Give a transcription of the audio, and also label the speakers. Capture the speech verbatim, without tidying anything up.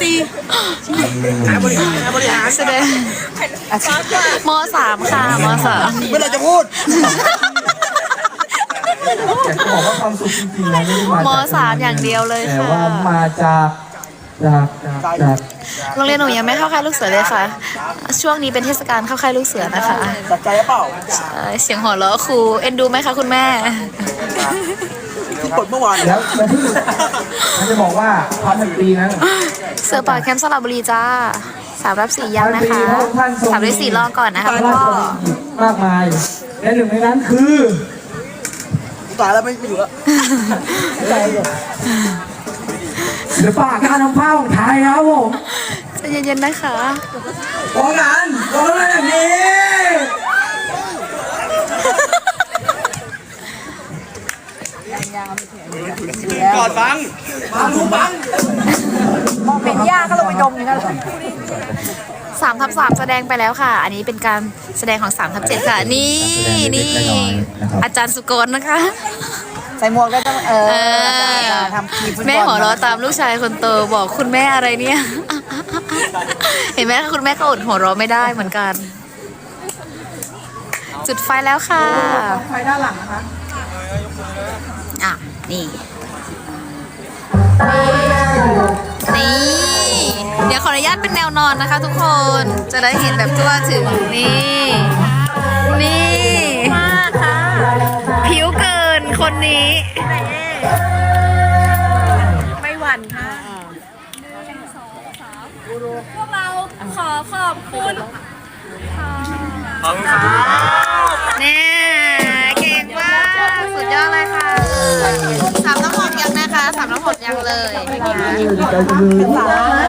Speaker 1: ตรีบริหารบริหารแสดงมสามค่ะมสาม
Speaker 2: เมื่อเราจะพูด
Speaker 3: อยากจะบอกว่าความสุขจริงๆแล้วไม่ได้มาจาก
Speaker 1: มสามอย่างเดียวเลย
Speaker 3: แต่
Speaker 1: ค่ะ
Speaker 3: ว่ามาจากจากจากจาก
Speaker 1: โรงเรียนหนูยังไม่เข้าค่ายลูกเสือเลยค่ะ ช่วงนี้เป็นเทศกาลเข้าค่ายลูกเสือนะคะ
Speaker 2: จัดใจเปล่า
Speaker 1: เอ่อเสียงหัวเราะครูเอ็นดูไหมคะคุณแม่
Speaker 2: ที่กดเมื่อวาน
Speaker 3: แล้วแล้วที่มันจะบอกว่าพันปีนั้น
Speaker 1: เสือป่าแคมป์สระบุรีจ้าสามรับสี่ยังนะคะสามรับสี่รอก่อนนะคะ
Speaker 3: พระ
Speaker 1: พ่
Speaker 3: รา
Speaker 1: อ
Speaker 3: ชบัญญัติมากมายและหนึ่งในนั้นคือ
Speaker 2: ตายแล้วไม่ไม่อยู่แล้วใจเลย
Speaker 3: ศิลปะการทำผ้าของไทยครับผม
Speaker 1: ใจเย็นๆนะคะ
Speaker 3: วงนั้นวงนั้นอย่างนี้
Speaker 2: กอดบังบังลูกบัง
Speaker 4: เป็นยาก็ลงไปดมอย่างนั้น
Speaker 1: สามทับสามแสดงไปแล้วค่ะ อันนี้เป็นการแสดงของสามทับเจ็ดค่ะ นี่นี่อาจารย์สุกลนะคะ
Speaker 4: ใส่หมวกก็ต้องเออ
Speaker 1: เออ
Speaker 4: ทำทีมฟุตบอล
Speaker 1: แม่หัวเราะตามลูกชายคนโตบอกคุณแม่อะไรเนี่ย เห็นไหมคุณแม่ก็อดหัวเราะไม่ได้เหมือนกัน จุดไฟแล้วค่ะ
Speaker 4: ไฟด้านหลังนะคะ
Speaker 1: อ่ะ นี่ นี่ เดี๋ยวขออนุญาตเป็นแนวนอนนะคะทุกคน จะได้เห็นแบบทั่วถึง นี่ นี่มากค่ะ ผิวเกินคนนี้
Speaker 4: ไม่หวั่นค่ะ
Speaker 5: พวกเราขอขอบคุณ
Speaker 2: ขอบคุณครับ
Speaker 1: เนี่ยเก่งมากสุดยอดเลยค่ะสามน้ำหอมยังนะคะสามน้ำหอมยังเลย